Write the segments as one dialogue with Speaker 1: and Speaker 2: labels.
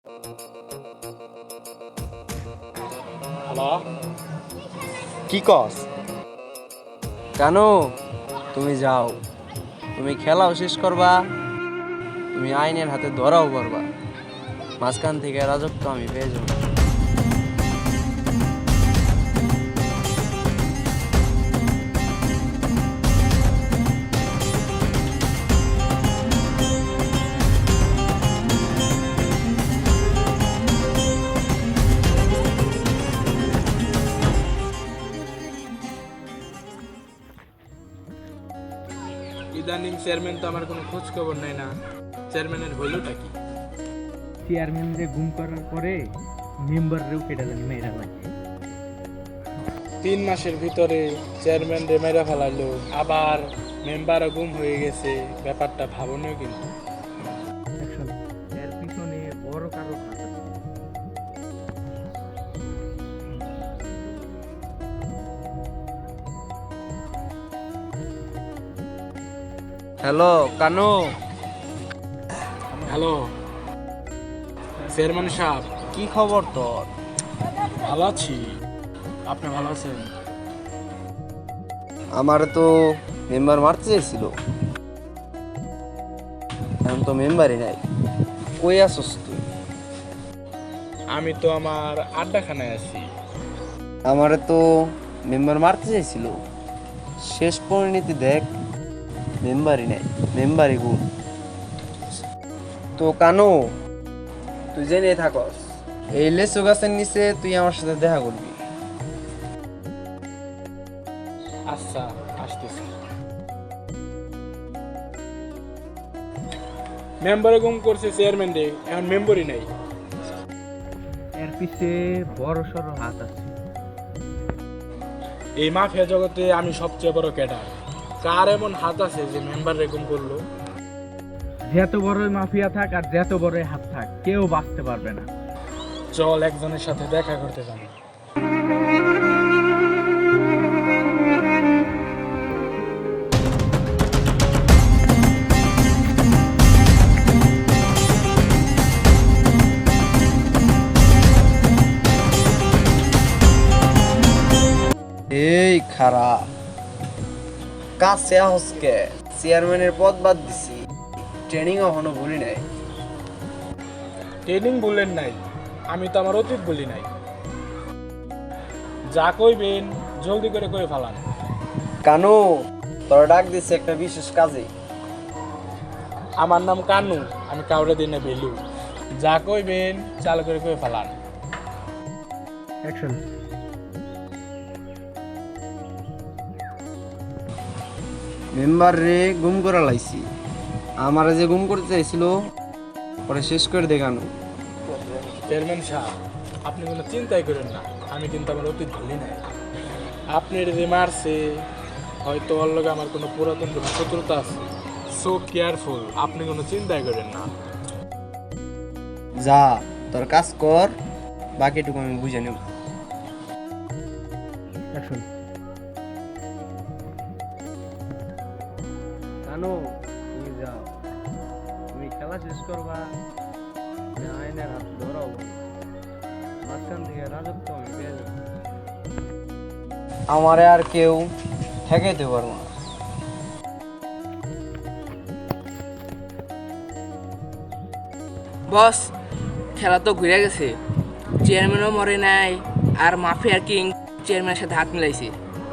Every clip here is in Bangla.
Speaker 1: হ্যালো,
Speaker 2: কি কস? কেন? তুমি যাও, তুমি খেলাও শেষ করবা, তুমি আইনের হাতে ধরাও করবা, মাঝখান থেকে রাজত্ব আমি পেয়ে যাবো।
Speaker 1: ইদানিং চেয়ারম্যান তো আমার কোনো খোঁজ খবর নেই না। চেয়ারম্যানের হইলটা কি?
Speaker 3: চেয়ারম্যানরে গুম করার পরে মেম্বাররেও কেটে জানি মেয়েরা লাগে।
Speaker 1: 3 মাসের ভিতরে চেয়ারম্যান রে মেরা ফেলাইলো, আবার মেম্বারও গুম হয়ে গেছে। ব্যাপারটা ভাবনীয় কিন্তু।
Speaker 3: এর পিছনে বড় কারো হাত আছে।
Speaker 2: হ্যালো কানু।
Speaker 1: হ্যালো চেয়ারম্যান সাহেব,
Speaker 2: কি খবর তোর?
Speaker 1: ভালো আছি, আপনি ভালো আছেন?
Speaker 2: আমার তো মেম্বার মারতে চেয়েছিল, এখন তো মেম্বারই নাই। কই আসস তুই?
Speaker 1: আমি তো আমার আড্ডাখানায় আছি।
Speaker 2: আমারে তো মেম্বার মারতে চাইছিল, শেষ পরিণতি দেখ, মেম্বারই নাই, মেম্বারই গুণ। তো কানো, তুই জেনে থাকস, এই লেচু গাছের নিচে তুই আমার সাথে দেখা করবি।
Speaker 1: আচ্ছা, আসতেছি। মেম্বারে গুম করছে চেয়ারম্যান রে, এখন মেম্বারই নাই।
Speaker 3: এর পিছে বড় সড়ো হাত আছে।
Speaker 1: এই মাফিয়া জগতে আমি সবচেয়ে বড় ক্যাডার। কার এমন হাত আছে যে মেম্বার রে গুম করলো?
Speaker 3: যত বড়ই মাফিয়া থাক আর যত বড়ই হাত থাক, কেউ বাঁচতে পারবে না।
Speaker 1: চল একজনের সাথে দেখা করতে যাবো।
Speaker 2: এই খারাপ কাছে হসকে, চেয়ারম্যানের পদ বাদ দিছি, ট্রেনিং এখনো ভুলি নাই।
Speaker 1: ট্রেনিং বললেন নাই, আমি তো আমার অতীত বলি নাই। যা কইবেন জলদি করে কই ফেলান।
Speaker 2: কানু, তোর ডাক দিচ্ছে একটা বিশেষ কাজে।
Speaker 1: আমার নাম কানু, আমি কাউরে দিনে ভেলু। যা কইবেন চালু করে কই ফেলান।
Speaker 3: অ্যাকশন।
Speaker 2: মেম্বার রে গুম করা লাইছি, আমারে যে গুম করতে চাইছিল পরে শেষ করে দেখানো।
Speaker 1: চেয়ারম্যান সাহেব, আপনি কোনো চিন্তাই করেন না, আমি কিন্তু আমার অতীত ভুলি নাই। আপনি যে মারছে, হয়তো ওর লগে আমার কোনো পুরাতন কোনো শত্রুতা আছে। সো কেয়ারফুল, আপনি কোনো চিন্তাই করেন না।
Speaker 2: যা তোর কাজ কর, বাকিটুকু আমি বুঝে নেব।
Speaker 3: অ্যাকশন।
Speaker 2: কানু, তুমি যাও, তুমি খেলা শেষ করবা, আমি আইনের হাত ধরাও, মাঝখান থেকে রাজত্ব আমি পেয়ে যাবো। আমারে আর কেউ ঠেকাইতে পারবো না।
Speaker 4: বস, খেলা তো ঘুরে গেছে, চেয়ারম্যানও মরে নাই, আর মাফিয়ার কিং চেয়ারম্যানের সাথে হাত মিলাইছে।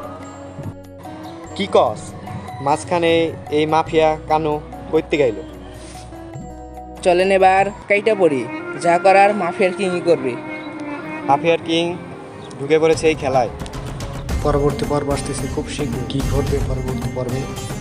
Speaker 5: কি কস? মাঝখানে এই মাফিয়া কানু করতে গাইল?
Speaker 4: চলেন এবার কাইটা পড়ি, যা করার মাফিয়ার কিংই করবে।
Speaker 5: মাফিয়ার কিং ঢুকে পড়েছে এই খেলায়।
Speaker 6: পরবর্তী পর্ব আসতেছে খুব শীঘ্র। কি ঘটবে পরবর্তী পর্বে